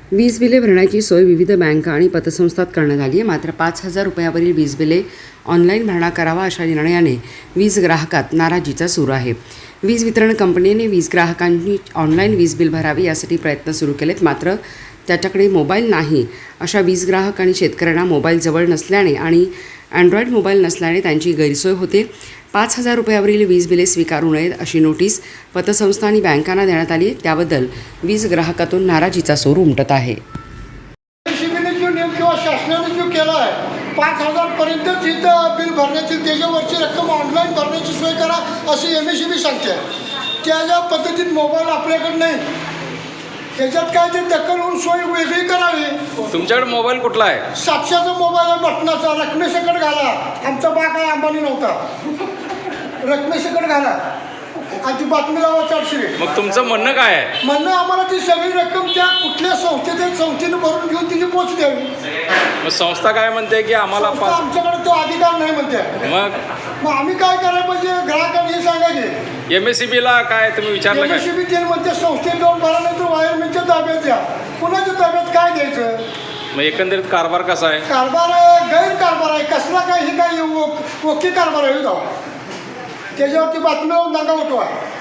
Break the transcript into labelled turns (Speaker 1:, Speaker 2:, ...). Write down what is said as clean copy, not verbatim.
Speaker 1: वीज बिले भरण्याची सोय विविध बँका आणि पतसंस्थात करण्यात आली आहे. मात्र 5,000 रुपयावरील वीज बिले ऑनलाईन भरणा करावा अशा निर्णयाने वीज ग्राहकात नाराजीचा सूर आहे. वीज वितरण कंपनीने वीज ग्राहकांनी ऑनलाईन वीज बिल भरावे यासाठी प्रयत्न सुरू केलेत. मात्र त्याच्याकडे मोबाईल नाही अशा वीज ग्राहक आणि शेतकऱ्यांना मोबाईल जवळ नसल्याने आणि अँड्रॉईड मोबाईल नसल्याने त्यांची गैरसोय होते. 5,000 रुपयावरील वीज बिले स्वीकारू नयेत अशी नोटीस पतसंस्था आणि बँकांना देण्यात आली. त्याबद्दल वीज ग्राहकातून नाराजीचा सूर उमटत आहे.
Speaker 2: जो नियम किंवा शासनाने जो केला आहे 5,000पर्यंतच इथं बिल भरण्याची त्याच्यावरची रक्कम ऑनलाईन भरण्याची सोय करा अशी MSEB सांगते. त्या पद्धतीत मोबाईल आपल्याकडे नाही. त्याच्यात काय ते दखल होऊन सोय वेगळी करावी.
Speaker 3: तुमच्याकडे मोबाईल कुठला आहे?
Speaker 2: 700चा मोबाईल आहे बटनाचा. रकमेसकट घाला. आमचा बा काय अंबानी नव्हता. रकमेसकट घाला आणि ती बातमी लावा 400.
Speaker 3: मग तुमचं म्हणणं काय आहे?
Speaker 2: म्हणणं आम्हाला ती सगळी रक्कम त्या कुठल्या संस्थेने भरून घेऊन तिची पोच द्यावी.
Speaker 3: मग संस्था काय म्हणते की आम्हाला
Speaker 2: आमच्याकडे तो अधिकार नाही म्हणते.
Speaker 3: मग
Speaker 2: आम्ही काय करायला पाहिजे? ग्राहकांनी हे सांगायचे.
Speaker 3: MSEBला काय तुम्ही विचारलं काय?
Speaker 2: MSEB ते म्हणते संस्थेत जाऊन भरा नाही तर वायरमॅनच्या ताब्यात द्या. कुणाच्या ताब्यात काय द्यायचं?
Speaker 3: मग एकंदरीत कारभार कसा आहे?
Speaker 2: कारभार गैरकारभार आहे. कसला काय हे काय ओके कारभार आहे जाऊ त्याच्यावरती बातमी दंगा होतो आहे.